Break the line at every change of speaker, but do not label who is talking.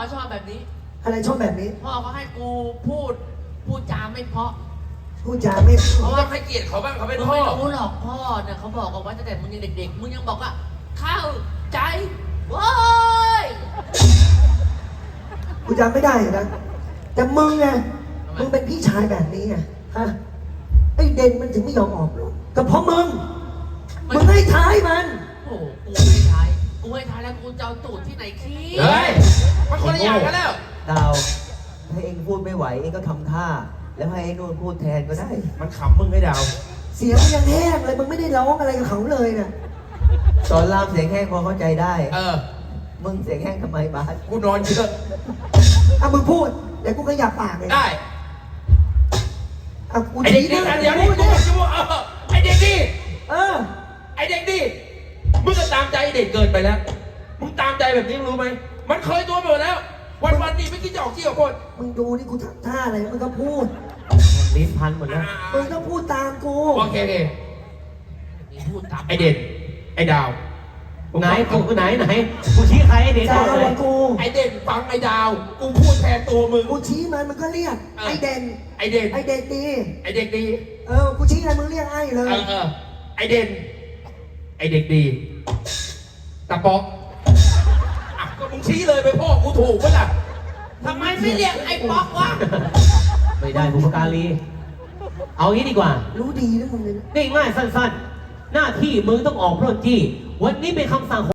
เขาชอบแบบนี้
อะไรชอบแบบนี้
พ่อเขาให้กูพูดจาไม่เพราะ
พูดจาไม่
เพราะ
ต้
ว่า
องให้เกียรติเขาบ้างเขาเป็น
มึง
พ่อ
ไม่รู้หรอกพ่อเนี่ยเขาบอกเอาไว้ตั้งแต่มึงยังเด็กๆมึงยังบอกว่าเข้าใจโว้ย
กูจำไม่ได้นะแต่มึงไงมึงเป็นพี่ชายแบบนี้ไงฮะไอ้เด่นมันถึงไม่ยอมออกรถก็เพราะมึงให้ท้ายมัน
โอ้โหกูให้ท้ายแล้วกูจะเอาตูดที่ไหนขี้
เฮ้ยมันคนละอย่างกันแล้ว
ดาวถ้าเองพูดไม่ไหวเองก็ทำท่า แล้วให้ไอ้นู่นพูดแทนก็ได้
มันขำมึงไอ้ดาว
เสียงมันยังแห้งเลยมึงไม่ได้ร้องอะไรกับเขาเลยนะ
ตอนรามเสียงแห้งพอเข้าใจได้
เ
มึงเสียงแห้งทำไมบาส
กูนอนเยอะ
อ่ะมึงพูดเดี๋ยวกูขยับปากเลย
ได้
อ่ะกู
ไอเด็ก
ชี้
ดี
หน้า
เดี๋ยว
พู
นี้
ด
กู
ดิ
จะบอกไอเด็กดี
เออ
ไอเด็กดีมึงก็ตามใจไอ้เด็กเกินไปแล้ว มึงตามใจแบบนี้มึงรู้ไหม มันเคยตัวไปหมดแล้ว วันนี้ไม่คิดจะออกที่ออกคน
มึงดูนี่กูทำท่าอะไรมึงก็พูด
ลิ้นพันหมดแล้ว
มึงต้องพูดตามกู
โอเค
นี่พูดตาม
ไอเด่นไอดาว
ไหนกูไหนกูชี้ใครไอ้เด็ก
จะ
เอา
เอา
เล
กั
ย
บกู
ไอเด่นฟังไอดาว กูพูดแทนตัวมึง
กูชี้มันก็เรียกไอ้เด่น
ไอเด่น
ไอ้เด็กดี
ไอเด็กดี
กูชี้อะไรมึงเรียกไอ้เลย
ไอเด่น ไอเด็กดีตะป๊อกอ่ะก็มึงชี้เลยไปพ่อกูถูกปะล่ะ
ทำไมไม่เรียกไอ้ป๊อกวะ
ไม่ได้บุพการีเอางี้ดีกว่า
รู้ดีนะมึงเลยนะ
ง่ายๆสั้นๆ หน้าที่มึงต้องออกปล้นจี้ วันนี้เป็นคำสั่ง